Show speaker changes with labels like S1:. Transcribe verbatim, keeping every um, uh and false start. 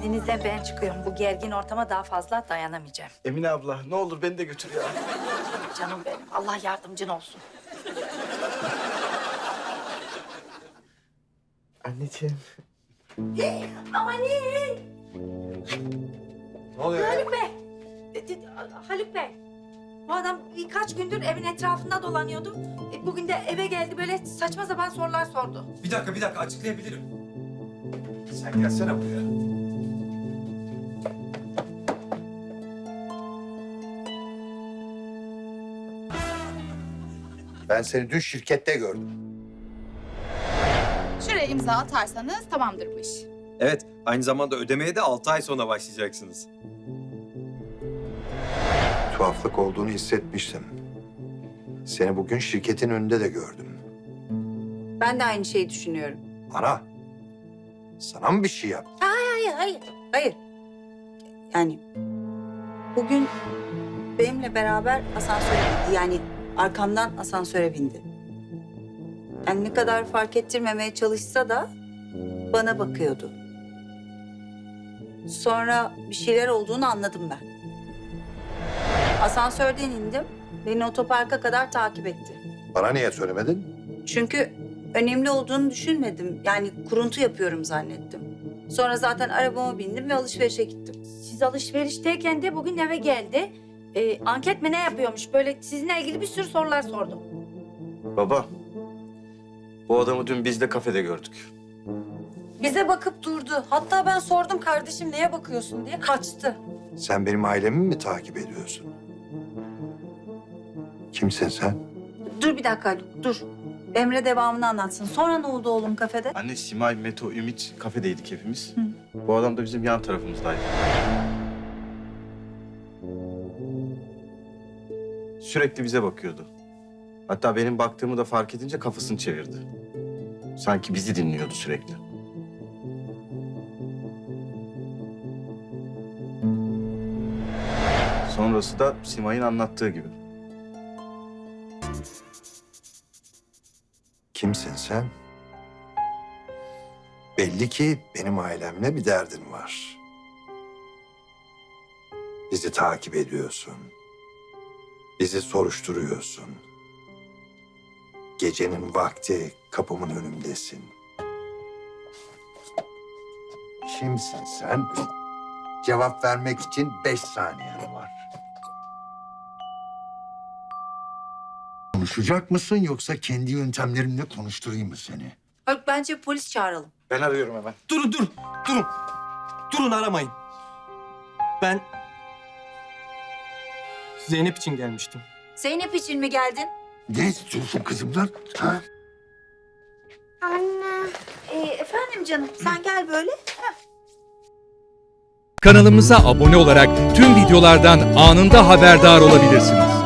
S1: İzninizle ben çıkıyorum. Bu gergin ortama daha fazla dayanamayacağım.
S2: Emine abla ne olur beni de götür ya.
S1: Canım benim. Allah yardımcın olsun.
S2: Anneciğim.
S1: Aman iyi.
S2: Ne oluyor ya?
S1: Haluk Bey. E, e, Haluk Bey. Bu adam birkaç gündür evin etrafında dolanıyordu. E, Bugün de eve geldi böyle saçma sapan sorular sordu.
S3: Bir dakika, bir dakika açıklayabilirim.
S2: Sen gelsene buraya.
S4: Ben seni dün şirkette gördüm.
S5: Şuraya imza atarsanız tamamdır bu iş.
S3: Evet, aynı zamanda ödemeye de altı ay sonra başlayacaksınız.
S4: Tuhaflık olduğunu hissetmiştim. Seni bugün şirketin önünde de gördüm.
S6: Ben de aynı şeyi düşünüyorum.
S4: Ana, sana mı bir şey yaptı?
S6: Hayır, hayır, hayır. Yani bugün benimle beraber asansöre bindi. Yani arkamdan asansöre bindi. Yani ne kadar fark ettirmemeye çalışsa da bana bakıyordu. Sonra bir şeyler olduğunu anladım ben. Asansörden indim. Beni otoparka kadar takip etti.
S4: Bana niye söylemedin?
S6: Çünkü önemli olduğunu düşünmedim. Yani kuruntu yapıyorum zannettim. Sonra zaten arabama bindim ve alışverişe gittim.
S1: Siz alışverişteyken de bugün eve geldi. E, anket mi ne yapıyormuş? Böyle sizinle ilgili bir sürü sorular sordu.
S2: Baba. Bu adamı dün biz de kafede gördük.
S6: Bize bakıp durdu. Hatta ben sordum kardeşim neye bakıyorsun diye kaçtı.
S4: Sen benim ailemi mi takip ediyorsun? Kimsin sen?
S6: Dur bir dakika Haluk, dur. Emre devamını anlatsın. Sonra ne oldu oğlum kafede?
S2: Anne, Simay, Meto, Ümit kafedeydik hepimiz. Bu adam da bizim yan tarafımızdaydı. Sürekli bize bakıyordu. Hatta benim baktığımı da fark edince kafasını çevirdi. Sanki bizi dinliyordu sürekli. Sonrası da Simay'ın anlattığı gibi.
S4: Kimsin sen? Belli ki benim ailemle bir derdin var. Bizi takip ediyorsun. Bizi soruşturuyorsun. Gecenin vakti kapımın önündesin. Kimsin sen? Cevap vermek için beş saniyen var. Konuşacak mısın yoksa kendi yöntemlerimle konuşturayım mı seni?
S6: Haluk bence polis çağıralım.
S2: Ben arıyorum hemen.
S3: Durun, dur, durun. Durun, aramayın. Ben Zeynep için gelmiştim.
S6: Zeynep için mi geldin?
S4: Ne istiyorsun kızımdan? Ha?
S6: Ee, efendim canım sen gel böyle.
S7: Kanalımıza abone olarak tüm videolardan anında haberdar olabilirsiniz.